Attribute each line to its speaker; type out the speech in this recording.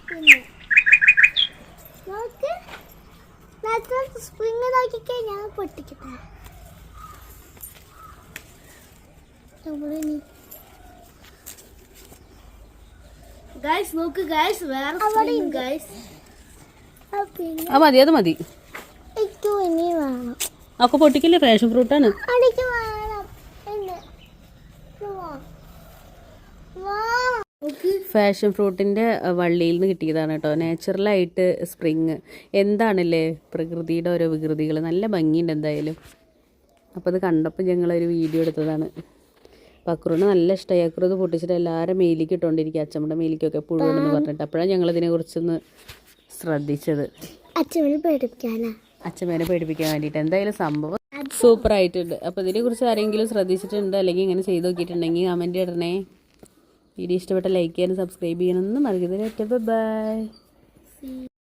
Speaker 1: Spring നോക്കിക്കേ ഞാൻ പൊട്ടിക്കട്ടെ. ഗൈസ് നോക്ക് ഗൈസ്, വേറെ സ്പ്രിങ് ഗൈസ്.
Speaker 2: മതി, അത് മതി.
Speaker 1: ഇനി വേണം.
Speaker 2: ഒക്കെ പൊട്ടിക്കില്ലേ, ഫ്രഷ് ഫ്രൂട്ടാണ്.
Speaker 1: എനിക്ക് വേണം.
Speaker 2: ഫാഷൻ ഫ്രൂട്ടിൻ്റെ വള്ളിയിൽ നിന്ന് കിട്ടിയതാണ് കേട്ടോ, നാച്ചുറലായിട്ട് സ്പ്രിങ്. എന്താണല്ലേ പ്രകൃതിയുടെ ഓരോ വികൃതികൾ, നല്ല ഭംഗിയുണ്ട് എന്തായാലും. അപ്പോൾ അത് കണ്ടപ്പോൾ ഞങ്ങളൊരു വീഡിയോ എടുത്തതാണ്. അപ്പോൾ അക്രൂന് നല്ല ഇഷ്ടമായി. അക്രൂ ഇത് പൊട്ടിച്ചിട്ട് എല്ലാവരും മേലിക്ക് ഇട്ടുകൊണ്ടിരിക്കുക, അച്ഛമ്മയുടെ മേലിക്കൊക്കെ പുഴുവെന്ന് പറഞ്ഞിട്ട്. അപ്പോഴാണ് ഞങ്ങളിതിനെക്കുറിച്ചൊന്ന് ശ്രദ്ധിച്ചത്, അച്ഛമ്മേനെ പേടിപ്പിക്കാൻ വേണ്ടിയിട്ട്. എന്തായാലും സംഭവം സൂപ്പറായിട്ടുണ്ട്. അപ്പോൾ ഇതിനെക്കുറിച്ച് ആരെങ്കിലും ശ്രദ്ധിച്ചിട്ടുണ്ട് അല്ലെങ്കിൽ ഇങ്ങനെ ചെയ്ത് നോക്കിയിട്ടുണ്ടെങ്കിൽ കമൻറ്റ് ഇടണേ. വീഡിയോ ഇഷ്ടപ്പെട്ട ലൈക്ക് ചെയ്യാനും സബ്സ്ക്രൈബ് ചെയ്യാനൊന്നും മറക്കരുത്. ബൈ.